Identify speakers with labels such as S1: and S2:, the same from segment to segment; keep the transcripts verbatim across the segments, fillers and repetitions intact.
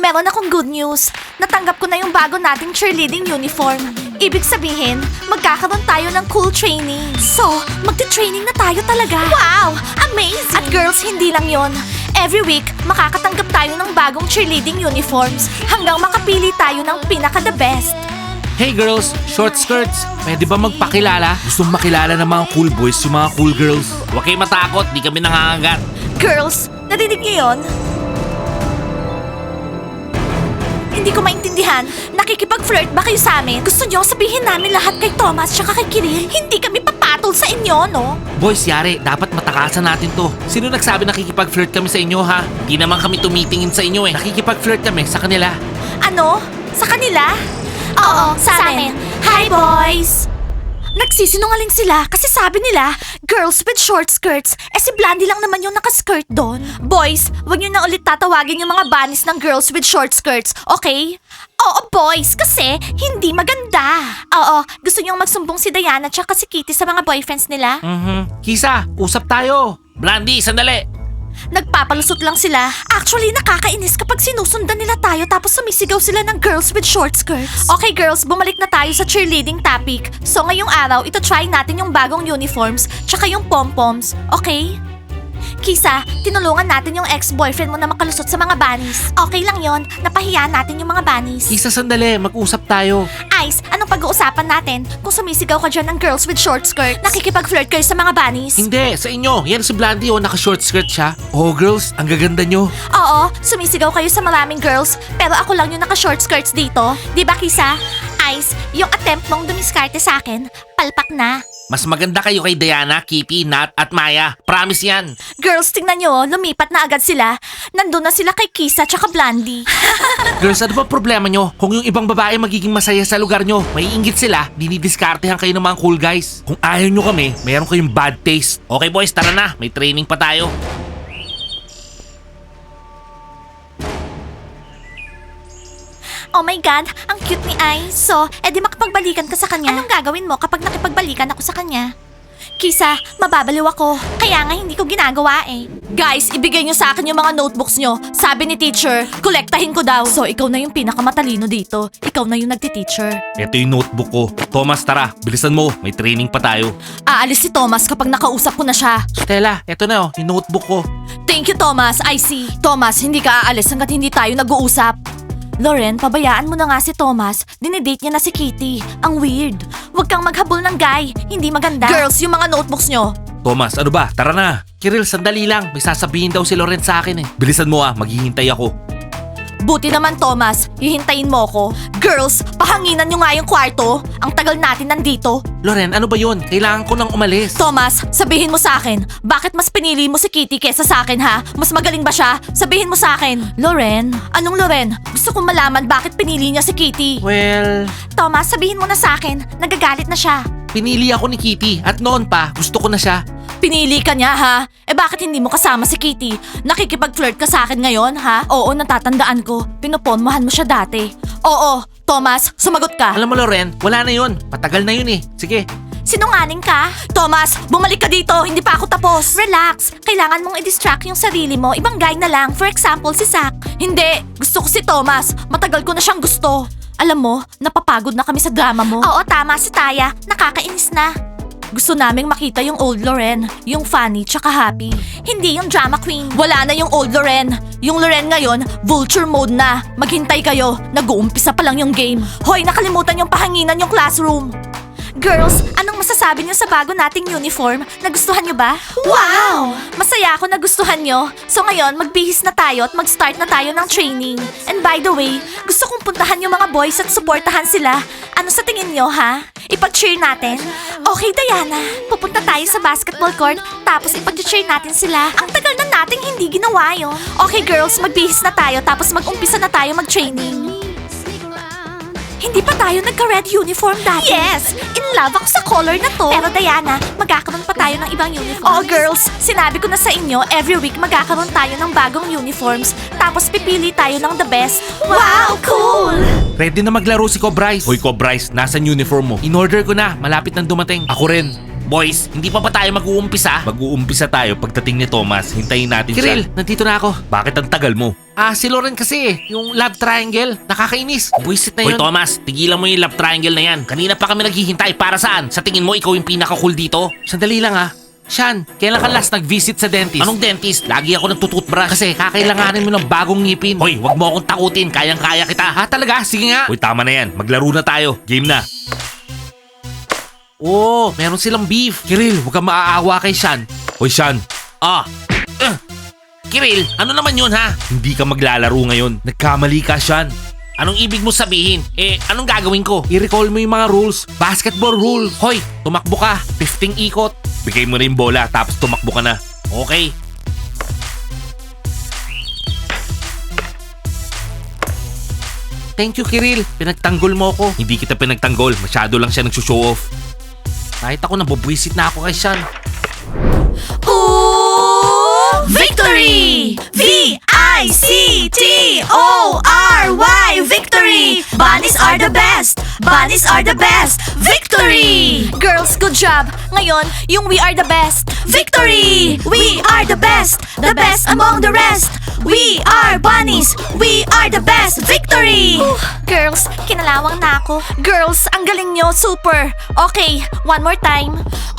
S1: Meron akong good news. Natanggap ko na yung bago nating cheerleading uniform. Ibig sabihin, magkakaroon tayo ng cool training. So, magte-training na tayo talaga. Wow! Amazing! At girls, hindi lang yon. Every week, makakatanggap tayo ng bagong cheerleading uniforms hanggang makapili tayo ng pinaka-the best.
S2: Hey girls, short skirts, pwede ba magpakilala? Gusto makilala ng mga cool boys yung mga cool girls. Huwag kayo matakot, di kami nangangagat.
S1: Girls, narinig niyo yun? Hindi ko maintindihan. Nakikipag-flirt ba kayo sa amin? Gusto niyo sabihin namin lahat kay Thomas tsaka kay Kiril? Hindi kami papatol sa inyo, no?
S2: Boys, yari, dapat matakasan natin to. Sino nagsabi nakikipag-flirt kami sa inyo, ha? Di naman kami tumitingin sa inyo eh. Nakikipag-flirt kami sa kanila.
S1: Ano? Sa kanila? Oo, sa, amin. Hi, boys! Nagsisinungaling sila kasi sabi nila, girls with short skirts. Eh si Blandy lang naman yung nakaskirt doon. Boys, wag niyo na ulit tatawagin yung mga bunnies ng girls with short skirts, okay? Oo, boys, kasi hindi maganda. Oo, gusto niyong magsumbong si Diana tsaka si Kitty sa mga boyfriends nila?
S2: Mhm. Kisa, usap tayo. Blandy, sandali.
S1: Nagpapalusot lang sila. Actually, nakakainis kapag sinusundan nila tayo tapos sumisigaw sila ng girls with short skirts. Okay girls, bumalik na tayo sa cheerleading topic. So ngayong araw, ito try natin yung bagong uniforms tsaka yung pom-poms, okay? Kisa, tinulungan natin yung ex-boyfriend mo na makalusot sa mga bunnies. Okay lang yon, napahiya natin yung mga bunnies.
S2: Kisa, sandali. Mag-usap tayo.
S1: Ice, anong pag-uusapan natin? Kung sumisigaw ka dyan ng girls with short skirts, nakikipag-flirt kayo sa mga bunnies?
S2: Hindi, sa inyo. Yan si Blandy, oh. Naka-short skirt siya. Oh, girls, ang gaganda nyo.
S1: Oo, sumisigaw kayo sa maraming girls, pero ako lang yung naka-short skirts dito. Di ba, Kisa? Ice, yung attempt mong dumiskarte sa akin, palpak na.
S2: Mas maganda kayo kay Diana, Kitty, Nat, at Maya. Promise yan.
S1: Girls, tingnan nyo, lumipat na agad sila. Nandun na sila kay Kisa tsaka Blandy.
S2: Girls, ano ba problema nyo? Kung yung ibang babae magiging masaya sa lugar nyo, may inggit sila, dinidiskartehan kayo ng mga cool guys. Kung ayaw nyo kami, mayroon kayong bad taste. Okay boys, tara na. May training pa tayo.
S1: Oh my God, ang cute ni Ice. So, edi makapagbalikan ka sa kanya. Anong gagawin mo kapag nakipagbalikan ako sa kanya? Kisa, mababaliw ako. Kaya nga hindi ko ginagawa eh. Guys, ibigay nyo sa akin yung mga notebooks nyo. Sabi ni teacher, kolektahin ko daw. So, ikaw na yung pinakamatalino dito. Ikaw na yung nagti-teacher.
S2: Ito yung notebook ko. Thomas, tara. Bilisan mo. May training pa tayo.
S1: Aalis si Thomas kapag nakausap ko na siya.
S2: Stella, eto na oh. Yung notebook ko.
S1: Thank you, Thomas. I see. Thomas, hindi ka aalis hanggat hindi tayo nag-uusap. Loren, pabayaan mo na nga si Thomas. Dinidate niya na si Kitty. Ang weird. Huwag kang maghabol ng guy. Hindi maganda. Girls, yung mga notebooks nyo.
S2: Thomas, ano ba? Tara na. Kiril, sandali lang. May sasabihin daw si Loren sa akin eh. Bilisan mo ah. Maghihintay ako.
S1: Buti naman, Thomas. Hihintayin mo ko. Girls, pahanginan nyo nga yung kwarto. Ang tagal natin nandito.
S2: Loren, ano ba yun? Kailangan ko nang umalis.
S1: Thomas, sabihin mo sa akin, bakit mas pinili mo si Kitty kesa sa akin ha? Mas magaling ba siya? Sabihin mo sa akin. Loren? Anong Loren? Gusto kong malaman bakit pinili niya si Kitty.
S2: Well,
S1: Thomas, sabihin mo na sa akin. Nagagalit na siya.
S2: pinili ako ni Kitty at noon pa, gusto ko na siya.
S1: Pinili ka niya ha? Eh bakit hindi mo kasama si Kitty? Nakikipag-flirt ka sa akin ngayon ha? Oo, natatandaan ko. Pinoponmahan mo siya dati. Oo, Thomas, sumagot ka.
S2: Alam mo Loren, wala na yun. Patagal na yun eh. Sige.
S1: Sinungaling ka? Thomas, bumalik ka dito. Hindi pa ako tapos. Relax. Kailangan mong i-distract yung sarili mo. Ibang guy na lang. For example, si Zach. Hindi. Gusto ko si Thomas. Matagal ko na siyang gusto. Alam mo, napapagod na kami sa drama mo. Oo, tama si Taya. Nakakainis na. Gusto naming makita yung old Loren, yung funny tsaka happy. Hindi yung drama queen. Wala na yung old Loren. Yung Loren ngayon, vulture mode na. Maghintay kayo, nag-uumpisa pa lang yung game. Hoy, nakalimutan yung pahanginan yung classroom. Girls, anong masasabi niyo sa bago nating uniform? Nagustuhan niyo ba? Wow! Masaya ako nagustuhan niyo. So ngayon, magbihis na tayo at mag-start na tayo ng training. And by the way, gusto kong puntahan yung mga boys at supportahan sila. Ano sa tingin niyo, ha? Ipag-cheer natin? Okay, Diana. Pupunta tayo sa basketball court, tapos ipag-cheer natin sila. Ang tagal na nating hindi ginawa yun. Okay, girls, magbihis na tayo, tapos mag-umpisa na tayo mag-training. Hindi pa tayo nagka-red uniform dati. Yes! In love ako sa color na to. Pero Diana, magkakaroon pa tayo ng ibang uniforms. Oh, girls! Sinabi ko na sa inyo, every week magkakaroon tayo ng bagong uniforms. Tapos pipili tayo ng the best. Wow! Cool!
S2: Ready na maglaro si Cobryce. Hoy Cobryce, nasan uniform mo? In order ko na, malapit nang dumating. Ako rin. Boys, hindi pa ba tayo mag-uumpisa? Mag-uumpisa tayo pagdating ni Thomas. Hintayin natin siya. Kiril, nandito na ako. Bakit ang tagal mo? Ah, si Lauren kasi eh. Yung love triangle. Nakakainis. Buisit na yun. Hoy Thomas, tigilan mo yung love triangle na yan. Kanina pa kami naghihintay. Para saan? Sa tingin mo ikaw yung pinaka-cool dito? Sandali lang ah. Sean, kailan ka last nag-visit sa dentist? Anong dentist? Lagi ako nagtututbrush. Kasi kakailanganin mo ng bagong ngipin. Hoy, wag mo akong takutin. Kayang-kaya kita. Ha, talaga? Sige nga. Hoy, tama na yan. Maglaro na tayo. Game na. Oh, meron silang beef. Kiril, huwag kang maaawa kay Sean. Hoy, Sean. Ah. Uh. Kiril, ano naman yun ha? Hindi ka maglalaro ngayon. Nagkamali ka, Sean. Anong ibig mo sabihin? Eh, anong gagawin ko? I-recall mo yung mga rules. Basketball rules. Hoy, tumakbo ka. fifteen ikot. Bigay mo na yung bola, tapos tumakbo ka na. Okay. Thank you, Kiril. Pinagtanggol mo ako. Hindi kita pinagtanggol. Masyado lang siya nagsushow off. Kahit ako, nabubwisit na ako kay Sean.
S1: Ooh, victory! V I C T O R Y, victory! Bunnies are the best! Bunnies are the best! Victory! Girls, good job! Ngayon, yung we are the best! Victory! We are the best! The best among the rest! We are bunnies! We are the best! Victory! Girls, kinalawang na ako. Girls, ang galing nyo, super! Okay, one more time.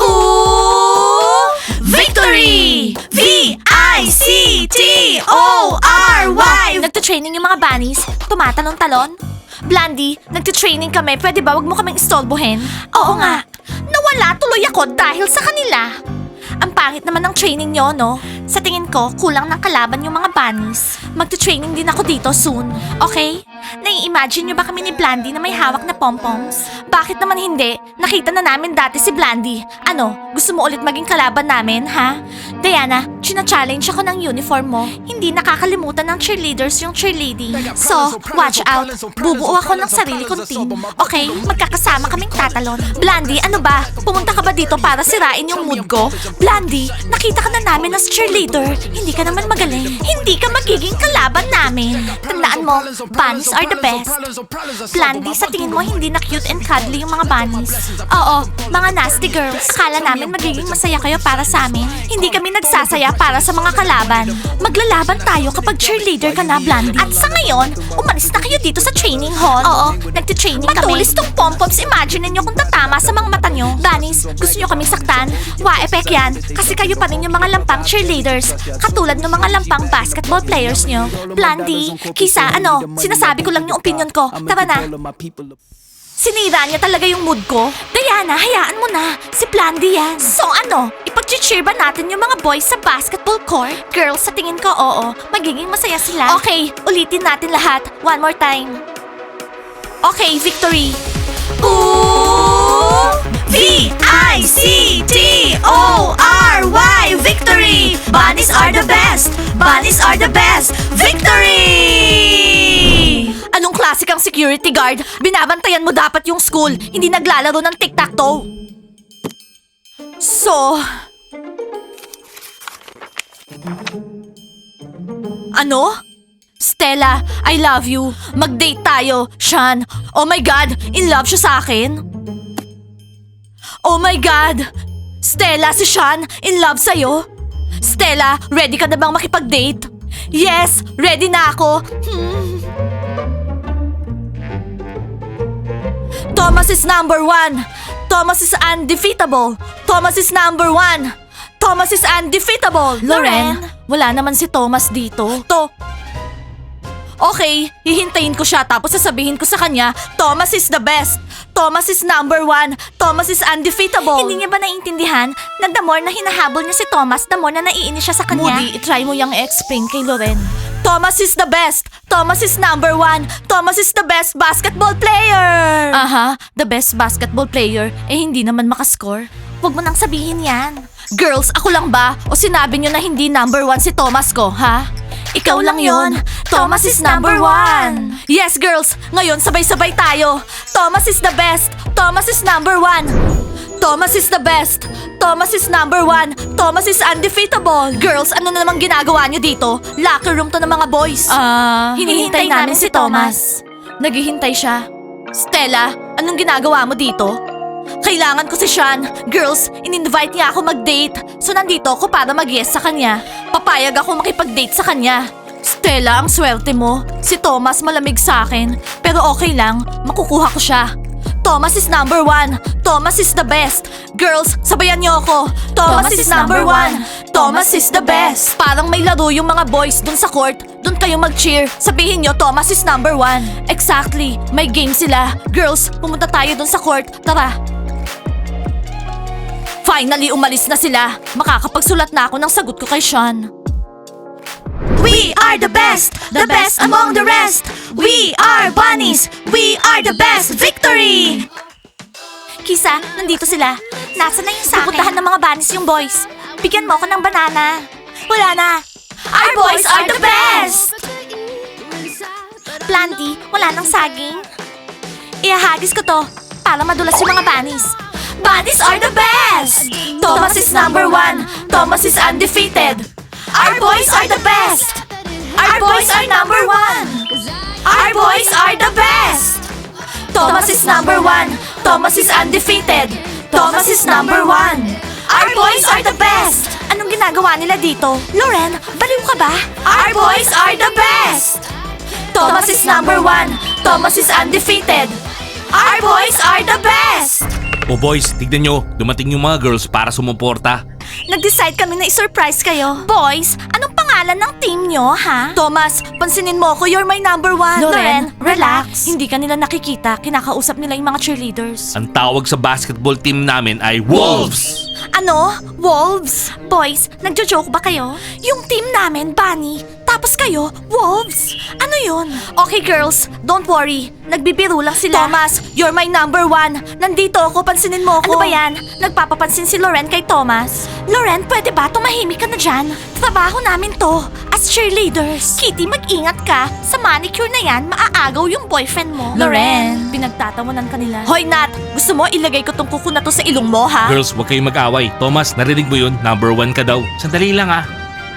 S1: Ooh! Victory! V I C T O R Y! Nagtutraining yung mga bunnies? Tumatalon-talon? Blondie, nagtutraining kami. Pwede ba wag mo kaming istolbohin? Oo nga. Nawala tuloy ako dahil sa kanila. Ang pangit naman ng training nyo, no? Sa tingin ko, kulang ng kalaban yung mga bunnies. Magte-training din ako dito soon, okay? Nai-imagine nyo ba kami ni Blandy na may hawak na pompoms? Bakit naman hindi? Nakita na namin dati si Blandy. Ano, gusto mo ulit maging kalaban namin, ha? Diana, china-challenge ako ng uniform mo. Hindi nakakalimutan ng cheerleaders yung cheerleading. So, watch out. Bubuo ako ng sarili kong team. Okay? Magkakasama kaming tatalon. Blandy, ano ba? Pumunta ka ba dito para sirain yung mood ko? Blandy, nakita ka na namin as cheerleader. Hindi ka naman magaling. Hindi ka magiging kalaban namin. Tandaan mo, bunnies are the best. Blandy, sa tingin mo hindi na cute and cuddly yung mga bunnies? Oo, mga nasty girls. Kala namin magiging masaya kayo para sa amin. Hindi kami nagsasaya para sa mga kalaban. Maglalaban tayo kapag cheerleader ka na, Blandy. At sa ngayon, umalis na kayo dito sa training hall. Oo, nagtitraining kami. Matulis tong pompoms. Imagine niyo kung tatama sa mga mata nyo. Bunnies, gusto nyo kaming saktan? Wa-epek yan. Kasi kayo pa rin yung mga lampang cheerleaders. Katulad ng mga lampang basketball players nyo. Blandy, Kisa, ano? Sinasabi ko lang yung opinion ko. Tara na. Sinira niya talaga yung mood ko. Diana, hayaan mo na. Si Blandy yan. So ano, ipag-cheer ba natin yung mga boys sa basketball court? Girls, sa tingin ko, oo. Magiging masaya sila. Okay, ulitin natin lahat. One more time. Okay, victory. Ooh! V I C T O R Y, victory! Bunnies are the best! Bunnies are the best! Victory! Anong klase kang security guard? Binabantayan mo dapat yung school, hindi naglalaro ng tic-tac-toe. So... Ano? Stella, I love you. Mag-date tayo, Sean. Oh my God, in love siya sa akin. Oh my God! Stella, si Sean, in love sa'yo? Stella, ready ka na bang makipag-date? Yes, ready na ako. Hmm. Thomas is number one. Thomas is undefeatable. Thomas is number one. Thomas is undefeatable. Loren, wala naman si Thomas dito. To... Okay, hihintayin ko siya tapos sasabihin ko sa kanya, Thomas is the best. Thomas is number one. Thomas is undefeatable. Hindi niya ba naiintindihan na the more na hinahabol niya si Thomas, the more na naiinis siya sa kanya? Moody, itry mo yung explain kay Loren. Thomas is the best. Thomas is number one. Thomas is the best basketball player. Aha, the best basketball player. Eh hindi naman makascore. Huwag mo nang sabihin yan. Girls, ako lang ba? O sinabi niyo na hindi number one si Thomas ko, ha? Ikaw lang yon. Thomas is number one. Yes, girls. Ngayon, sabay-sabay tayo. Thomas is the best. Thomas is number one. Thomas is the best. Thomas is number one. Thomas is undefeatable. Girls, ano na namang ginagawa niyo dito? Locker room to ng mga boys. Ah, hinihintay namin si Thomas. Naghihintay siya. Stella, anong ginagawa mo dito? Kailangan ko si Sean. Girls, in-invite niya ako mag-date. So nandito ako para mag-yes sa kanya. Papayag ako makipag-date sa kanya. Stella, ang swerte mo. Si Thomas malamig sa akin. Pero okay lang, makukuha ko siya. Thomas is number one. Thomas is the best. Girls, sabayan niyo ako. Thomas, is, number one. Thomas is the best. Parang may laro yung mga boys dun sa court. Dun kayo mag-cheer. Sabihin niyo, Thomas is number one. Exactly. May game sila. Girls, pumunta tayo dun sa court. Tara. Finally, umalis na sila. Makakapagsulat na ako ng sagot ko kay Sean. We are the best, the best among the rest. We are bunnies, we are the best. Victory! Kisa, nandito sila. Nasaan na yung sa akin? Pupuntahan ng mga bunnies yung boys. Bigyan mo ako ng banana. Wala na. Our boys are the best! Planty, wala nang saging. Ihahagis ko to para madulas yung mga bunnies. Bunnies are the best! Thomas is number one. Thomas is undefeated. Our boys are the best! Our boys are number one! Our boys are the best! Thomas is number one. Thomas is undefeated. Thomas is number one. Our boys are the best! Anong ginagawa nila dito? Loren, baliw ka ba? Our boys are the best! Thomas is number one. Thomas is undefeated. Our boys are the best!
S2: O boys, tignan nyo, dumating yung mga girls para sumuporta.
S1: Nag-decide kami na i-surprise kayo. Boys, anong pangalan ng team nyo, ha? Thomas, pansinin mo ako, you're my number one. Loren,
S2: relax.
S1: Hindi ka nila nakikita, kinakausap nila yung mga cheerleaders.
S2: Ang tawag sa basketball team namin ay Wolves!
S1: Ano? Wolves? Boys, nagjo-joke ba kayo? Yung team namin, Bunny. Tapos kayo, Wolves? Ano yun? Okay girls, don't worry. Nagbibiro lang sila. Thomas, you're my number one. Nandito ako, pansinin mo ako. Ano ba yan? Nagpapapansin si Loren kay Thomas. Loren, pwede ba tumahimik ka na dyan? Trabaho namin to. As cheerleaders. Kitty, mag-ingat ka. Sa manicure na yan, maaagaw yung boyfriend mo.
S3: Loren.
S1: Pinagtatawanan ka nila. Hoy Nat, gusto mo ilagay ko tong kuko na to sa ilong mo, ha?
S2: Girls, huwag kayong mag-away. Thomas, narinig mo yun? Number one ka daw. Sandali lang ah.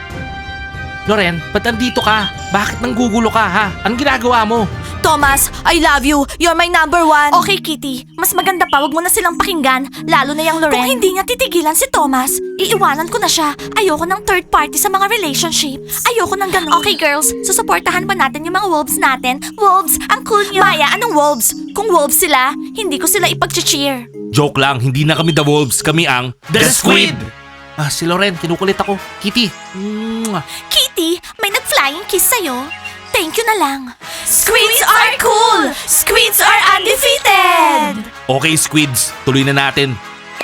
S2: Loren, ba't andito ka? Bakit nanggugulo ka ha? Anong ginagawa mo?
S1: Thomas, I love you. You're my number one. Okay, Kitty. Mas maganda pa, wag mo na silang pakinggan. Lalo na yung Loren. Kung hindi niya titigilan si Thomas, iiwanan ko na siya. Ayoko ng third party sa mga relationships. Ayoko ng ganun. Okay, girls. Susuportahan ba natin yung mga wolves natin? Wolves, ang cool niyo. Maya, anong wolves? Kung wolves sila, hindi ko sila ipag-cheer.
S2: Joke lang, hindi na kami the Wolves. Kami ang The Squid! Ah, si Loren, kinukulit ako. Kitty. Mwah.
S1: Kitty, may nag-flying kiss sa'yo. Thank you na lang. Squids are cool! Squids are undefeated!
S2: Okay, Squids. Tuloy na natin.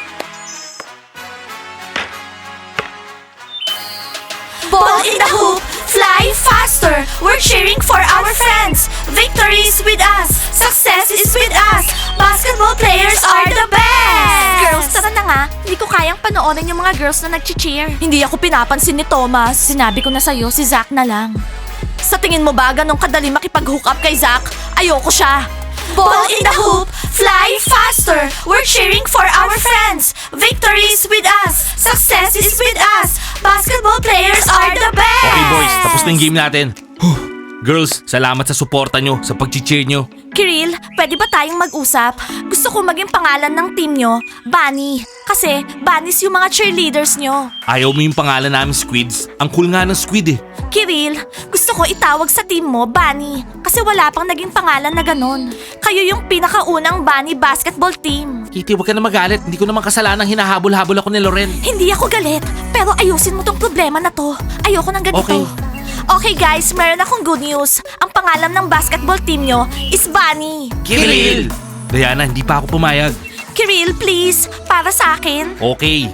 S1: Ball in the hoop, fly faster. We're cheering for our friends. Victory is with us. Success is with us. Basketball players are the best. Girls, tara na nga. Hindi ko kayang panoorin yung mga girls na nag-cheer. Hindi ako pinapansin ni Thomas. Sinabi ko na sa'yo, si Zach na lang. Sa tingin mo ba ganong kadali makipag-hook up kay Zach? Ayoko siya. Ball in the hoop, fly faster. We're cheering for our friends. Victory is with us. Success is with us. Basketball players are the best.
S2: Okay, boys. Tapos na yung game natin. Huh. Girls, salamat sa suporta nyo, sa pag-cheer nyo.
S1: Kiril, pwede ba tayong mag-usap? Gusto ko maging pangalan ng team nyo, Bunny. Kasi, Bunnies yung mga cheerleaders nyo.
S2: Ayaw mo yung pangalan namin, Squids. Ang cool nga ng Squid eh.
S1: Kiril, gusto ko itawag sa team mo, Bunny. Kasi wala pang naging pangalan na ganun. Kayo yung pinakaunang Bunny basketball team.
S2: Kitty, huwag ka na magalit. Hindi ko naman kasalanang hinahabol-habol ako ni Loren.
S1: Hindi ako galit, pero ayusin mo tong problema na to. Ayoko ng ganito.
S2: Okay.
S1: Okay guys, meron akong good news. Ang pangalan ng basketball team nyo is Bunny.
S2: Kiril! Diana, hindi pa ako pumayag.
S1: Kiril, please, para sa akin.
S2: Okay.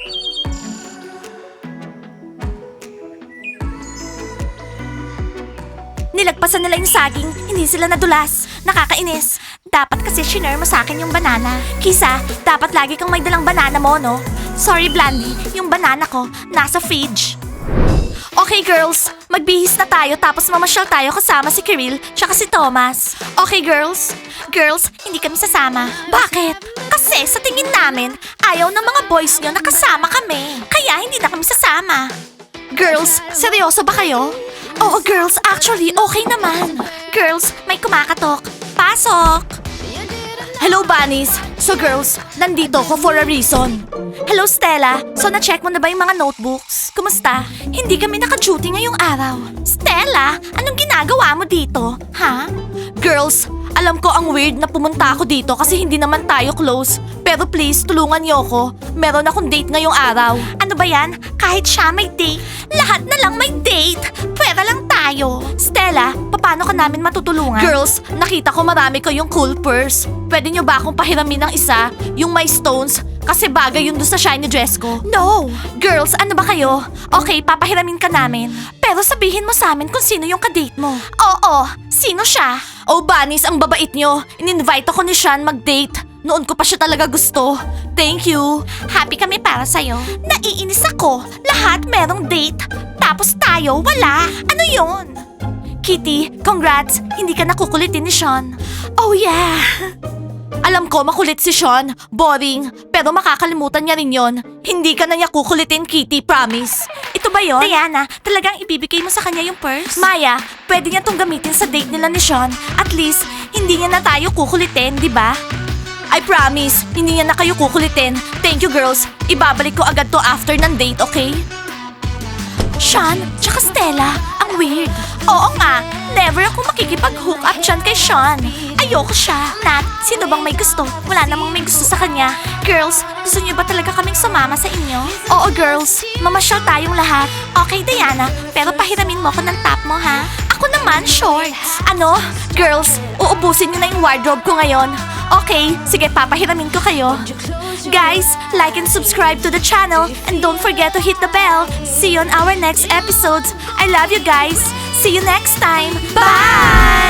S1: Nilagpasan nila yung saging, hindi sila nadulas. Nakakainis. Dapat kasi shinare mo sa akin yung banana. Kisa, dapat lagi kang may dalang banana mo, no? Sorry, Blandy, yung banana ko nasa fridge. Okay, girls. Magbihis na tayo tapos mamasyal tayo kasama si Kiril tsaka si Thomas. Okay, girls? Girls, hindi kami sasama. Bakit? Kasi sa tingin namin, ayaw ng mga boys nyo na kasama kami. Kaya hindi na kami sasama. Girls, seryoso ba kayo? Oo, girls. Actually, okay naman. Girls, may kumakatok. Pasok! Hello, bunnies! So girls, nandito ko for a reason. Hello, Stella. So na-check mo na ba yung mga notebooks? Kumusta? Hindi kami naka-duty ngayong araw. Stella, anong ginagawa mo dito? Ha? Girls, alam ko ang weird na pumunta ako dito kasi hindi naman tayo close. Pero please, tulungan niyo ako. Meron akong date ngayong araw. Ano ba yan? Kahit siya may date? Lahat na lang may date. Pwera lang tayo. Stella, paano ka namin matutulungan? Girls, nakita ko marami kayong cool purse. Pwede niyo ba akong pahiramin ng isa? Yung may stones? Kasi bagay yun doon sa shiny dress ko. No! Girls, ano ba kayo? Okay, papahiramin ka namin. Pero sabihin mo sa amin kung sino yung kadate mo. Oo, sino siya? Oh, bunnies, ang babait nyo. In-invite ako ni Sean mag-date. Noon ko pa siya talaga gusto. Thank you. Happy kami para sa'yo. Naiinis ako. Lahat merong date. Tapos tayo, wala. Ano yun? Kitty, congrats. Hindi ka nakukulitin ni Sean. Oh yeah. Alam ko makulit si Sean. Boring. Pero makakalimutan niya rin yon. Hindi ka na niya kukulitin, Kitty, promise. Ito ba yon? Diana, talagang ibibigay mo sa kanya yung purse? Maya, pwede niya tong gamitin sa date nila ni Sean. At least, hindi niya na tayo kukulitin, di ba? I promise, hindi niya na kayo kukulitin. Thank you, girls. Ibabalik ko agad to after ng date, okay? Sean, tsaka Stella, ang weird. Oo nga, never ako makikipag-hook up dyan kay Sean. Ayoko siya. Nat, sino bang may gusto? Wala namang may gusto sa kanya. Girls, gusto niyo ba talaga kaming sumama sa inyo? Oo, girls. Mamasyal tayong lahat. Okay, Diana, pero pahiramin mo ko ng top mo, ha? Ako naman, shorts. Ano? Girls, uubusin niyo na yung wardrobe ko ngayon. Okay, sige, papahiramin ko kayo. Guys, like and subscribe to the channel and don't forget to hit the bell. See you on our next episodes. I love you guys. See you next time. Bye!